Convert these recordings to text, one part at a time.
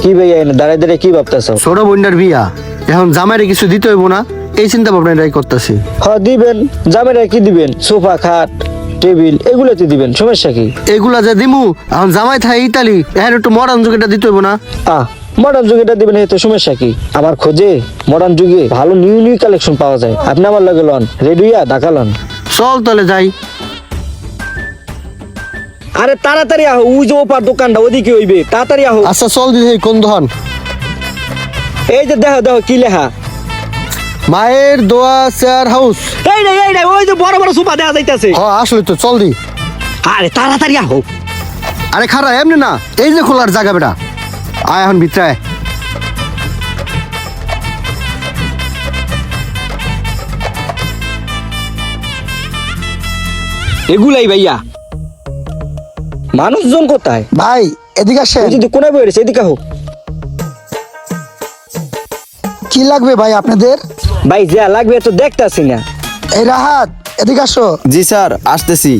কি ভাইয়া এনে দাঁড়ায় দাঁড়ায় কি ভাবতেছো? ছোট বোনটার বিয়া, এখন জামাইরে কিছু দিতে হইব না, এই চিন্তা ভাবনা এটাই করতেছি। দিবেন, জামাইরা কি দিবেন? সোফা, খাট, টেবিল এগুলোতে দিবেন, সমস্যা কি? এগুলা যে দিমু, এখন জামাই থাকে ইতালি, এখন একটু মডার্ন যুগেটা দিতে হইব না? মডার্ন যুগেটা দিবেন, এই তো সমস্যা কি? আমার খোঁজে মডার্ন যুগে ভালো নিউ নিউ কালেকশন পাওয়া যায়। আপনি আমার লাগে লন, রেডি হইয়া ঢাকা লন। চল তাহলে যাই। আরে তাড়াতাড়ি আহো, ওই যে ওপার দোকানটা ওদিকে হইবে, তাড়াতাড়ি আহো। আচ্ছা চল দিদি, কোন দোকান? এই যে দেখো দেখো কি লেখা, মায়ের দোয়া চেয়ার হাউস। এই রে ওই যে বড় বড় সোফা দেখা যাইতাছে। হ আসলে তো, চল দি। আরে তাড়াতাড়ি আহো। আরে খারা এমনি না, এই যে খোলার জায়গা বেটা, আয় এখন ভিতরে আয়। এগুলাই ভাইয়া। মানুষজন কোথায় ভাই এদিকে আসেন। ওই যে কোনায় বই রয়েছে, এদিকে আহো। কি লাগবে ভাই আপনাদের? ভাই যা লাগবে তো দেখতাছি না। এই রাহাত এদিকে আসো। জি স্যার, আসতেছি।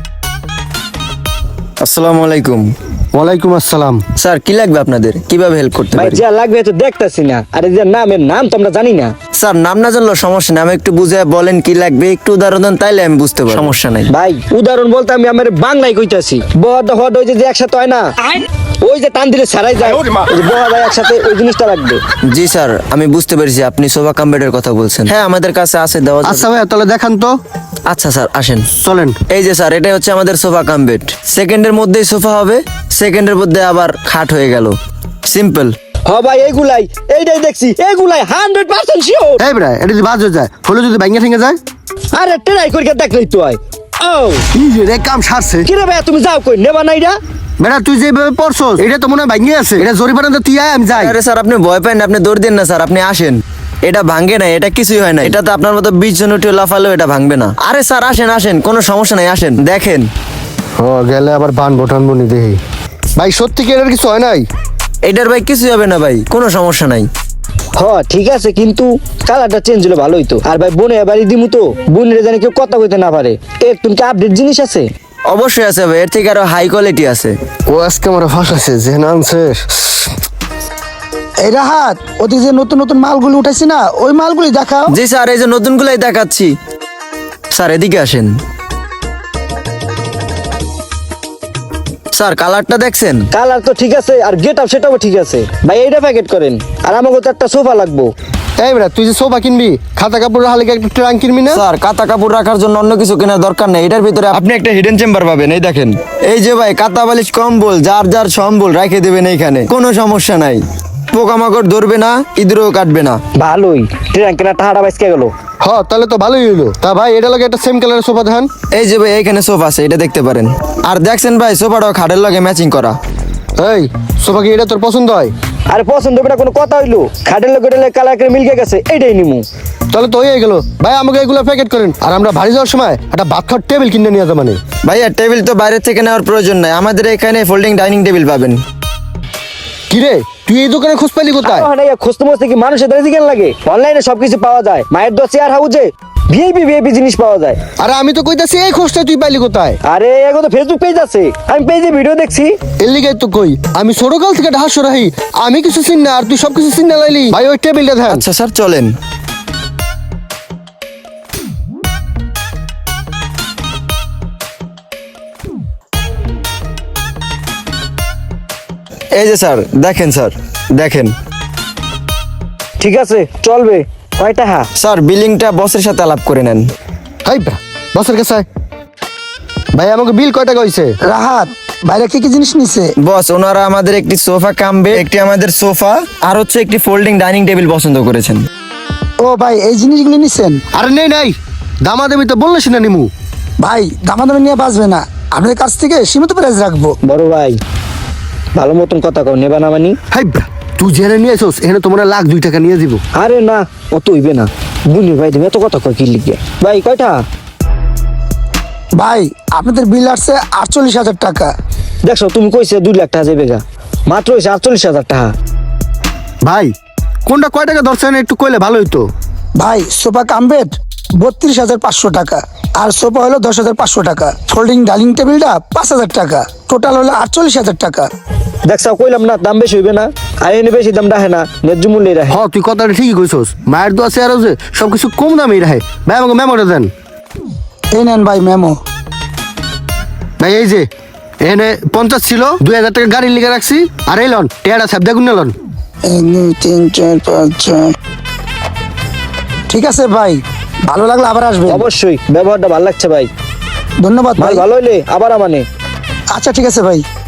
আসসালামু আলাইকুম। ওয়ালাইকুম আসসালাম। স্যার কি লাগবে আপনাদের, কিভাবে হেল্প করতে ভাই পারি? যা লাগবে তো দেখতাছি না। আরে যে নামের নাম তো আমরা জানি না। স্যার নাম না জানলেও সমস্যা নেই, আমি একটু বুঝে বলেন কি লাগবে, একটু উদাহরণ দেন, তাইলে আমি বুঝতে পারবো, সমস্যা নাই। ভাই উদাহরণ বলতে আমি আমার বাংলায় কইতাছি। বহদ হদ ওই যে একসাথে হয় না, ওই যে টান দিলে ছাড়াই যায়, ওই যে বহদ হয় একসাথে, ওই জিনিসটা লাগবে। জি স্যার, আমি বুঝতে পেরেছি আপনি সোফা কাম বেডের কথা বলছেন। হ্যাঁ আমাদের কাছে আছে, দেওয়া যাবে। আচ্ছা ভাইয়া তাহলে দেখান তো। আচ্ছা স্যার আসেন। চলেন। এই যে স্যার, এটাই হচ্ছে আমাদের সোফা কাম বেড। সেকেন্ডের মধ্যেই সোফা হবে, সেকেন্ডের মধ্যে আবার খাট হয়ে গেল, সিম্পল। ভাই এইগুলাই, এইটাই দেখছি, এইগুলাই 100% শিওর। এই বেটা, এটা যদি বাজ হয়ে যায়, হলে যদি ভাঙ্গা ঠেঙ্গে যায়? আরে ট্রাই করিকে দেখলেই তো হয়। ও কি রে, কাম সারছে। কি রে ভাই, তুমি যাও কই, নেবা না এটা? বেটা তুই যেভাবে পড়ছস, এটা তো মনে হয় ভাঙ্গে আছে, এটা জরিমানা তো তুই আয়, আমি যাই। আরে স্যার আপনি ভয় পান না, আপনি দৌড় দেন না স্যার, আপনি আসেন। এটা ভাঙে না, এটা কিছুই হয় না, এটা তো আপনার মতো 20 জন উঠে লাফালেও এটা ভাঙবে না। আরে স্যার আসেন আসেন, কোনো সমস্যা নাই, আসেন দেখেন। ও গেলে আবার বান বটান বনি দেহি। ভাই সত্যি কি এটার কিছু হয় নাই? এটার ভাই কিছুই হবে না ভাই, কোনো সমস্যা নাই। ঠিক আছে, কিন্তু কালারটা চেঞ্জ হলে ভালো হইতো। আর ভাই বোনে বাড়ি দিমু তো, বোনের জানি কেউ কথা কইতে না পারে, তুমি কি আপডেট জিনিস আছে? অবশ্যই আছে ভাই, এর থেকে আরো হাই কোয়ালিটি আছে। ও আজকে আমার ফাঁসাছে, যে আনছে। এই রাহাত, ওদিকে যে নতুন নতুন মালগুলি উঠাইছি না, ওই মালগুলি দেখাও। জি স্যার, এই যে নতুনগুলাই দেখাচ্ছি। স্যার এদিকে আসেন। স্যার কালারটা দেখছেন? কালার তো ঠিক আছে, আর গেট আপ সেটাও ঠিক আছে। ভাই এইটা প্যাকেট করেন, আর আমাকে তো একটা সোফা লাগবো। এই বেটা, তুই যে সোফা কিনবি, খাতা কাপড় হালে একটা ট্রাঙ্ক কিনবি না? স্যার কাতা কাপড় রাখার জন্য অন্য কিছু কেনার দরকার নেই, এটার ভিতরে আপনি একটা হিডেন চেম্বার পাবেন। এই দেখেন, এই যে ভাই কাতা বালিশ কম্বল যার যার সম্বল রেখে দেবেন এইখানে, কোনো সমস্যা নাই। পোকামাকড় ধরবে না, ইঁদুরও কাটবে না। ভালোই, ট্রেন কেনা টাকাটা বাইসকে গেল। তাহলে তো ভালোই হইলো। তা ভাই এটা লাগে একটা সেম কালারের সোফা দেখান। এই যে ভাই এইখানে সোফা আছে, এটা দেখতে পারেন। আর দেখছেন ভাই, সোফাটাও খাটের লগে ম্যাচিং করা। এই সোফা কি এটা তোর পছন্দ হয়? আরে পছন্দ হবে না কোনো কথা হইলো, খাটের লোক কালার করে মিলকে গেছে, এইটাই নিমু। তাহলে তো হয়ে গেল ভাই, আমাকে এগুলো প্যাকেট করেন। আর আমরা বাড়ি যাওয়ার সময় একটা ভাত খাওয়ার টেবিল কিনে নিয়ে যাবো। মানে ভাইয়া টেবিল তো বাইরে থেকে নেওয়ার প্রয়োজন নাই, আমাদের এখানে ফোল্ডিং ডাইনিং টেবিল পাবেন। কিরে, তুই এই দোকানে খোঁজ পাইলি কোথায়? খুঁজতে মুজতে কি মানুষের দাঁড়িয়ে কেন লাগে? অনলাইনে সবকিছু পাওয়া যায়। মায়ের দোয়া চেয়ার হাউজে ভিআইপি জিনিস পাওয়া যায়। আরে আমি তো কইতাছি এই খোঁজটা তুই পাইলি কোথায়? আরে এখন তো ফেসবুক পেজ আছে, আমি পেজে ভিডিও দেখছি। এর লিগে তো কই, আমি ছোটকাল থেকে ঢাস রাহি, আমি কিছু চিন না আর তুই সব কিছু চিন না লাইলি। ভাই ওই টেবিলটা দেখ। আচ্ছা স্যার চলেন। এই যে স্যার দেখেন, স্যার দেখেন। ঠিক আছে চলবে। কয় টাকা? স্যার বিলিংটা বসের সাথে আলাপ করে নেন। হাই ব্রা, বসের কাছে আয়। ভাই আমাকে বিল কয় টাকা হইছে? রাহাত বাইরে কি কি জিনিস নিছে? বস ওনারা আমাদের একটি সোফা কামবে, একটি আমাদের সোফা, আর হচ্ছে একটি ফোল্ডিং ডাইনিং টেবিল পছন্দ করেছেন। ও ভাই এই জিনিসগুলি নিছেন? আরে নেই নাই, দামাদামি তো বললে না নিমু। ভাই দামাদামি নিয়ে বাঁচবে না, আপনাদের কাছ থেকে সীমিত প্রাইস রাখবো। বড় ভাই ভালো মতন কথা কও, নেবা না মানি? হাই ব্রা, তুই জেনে নিয়ে আসোস, এখানে তোমরা লাখ 2 টাকা নিয়ে দিব। আরে না, অত হইবে না। বুনি ভাই তুমি এত কথা কয় কি লিখে? ভাই কয়টা? ভাই আপনাদের বিল আসছে 48,000 টাকা। দেখছো তুমি কইছে 2 লাখ টাকা যাবে গা, মাত্র হইছে 48,000 টাকা। ভাই কোনটা কয় টাকা ধরছেন একটু কইলে ভালো হইতো। ভাই সোফা কামবেড 32,500 টাকা, আর সোফা হলো 10,500 টাকা, ফোল্ডিং ডাইনিং টেবিলটা 5,000 টাকা, টোটাল হলো 48,000 টাকা। দেখছো কইলাম না দাম বেশি হইবে না। আর এনে বেশি দাম রাখে না, ন্যায্য মূল্যে রাখে। হ তুই কথাটা ঠিকই কইছস, মায়ের দোয়া আছে আরো যে সবকিছু কম দামেই রাখে। ভাই আমাকে মেমোটা দেন। এই নেন ভাই মেমো। ভাই এই যে এখানে 50 ছিল, 2000 টাকা গাড়ির লিখে রাখছি। আর এই লন টেয়ারা সাহেব দেখুন না লন। 1 2 3 4 5 6। ঠিক আছে ভাই, ভালো লাগলে আবার আসবে। অবশ্যই, ব্যবহারটা ভালো লাগছে ভাই। ধন্যবাদ মাল ভাই। ভালো হইলে আবার আমানে। আচ্ছা ঠিক আছে ভাই।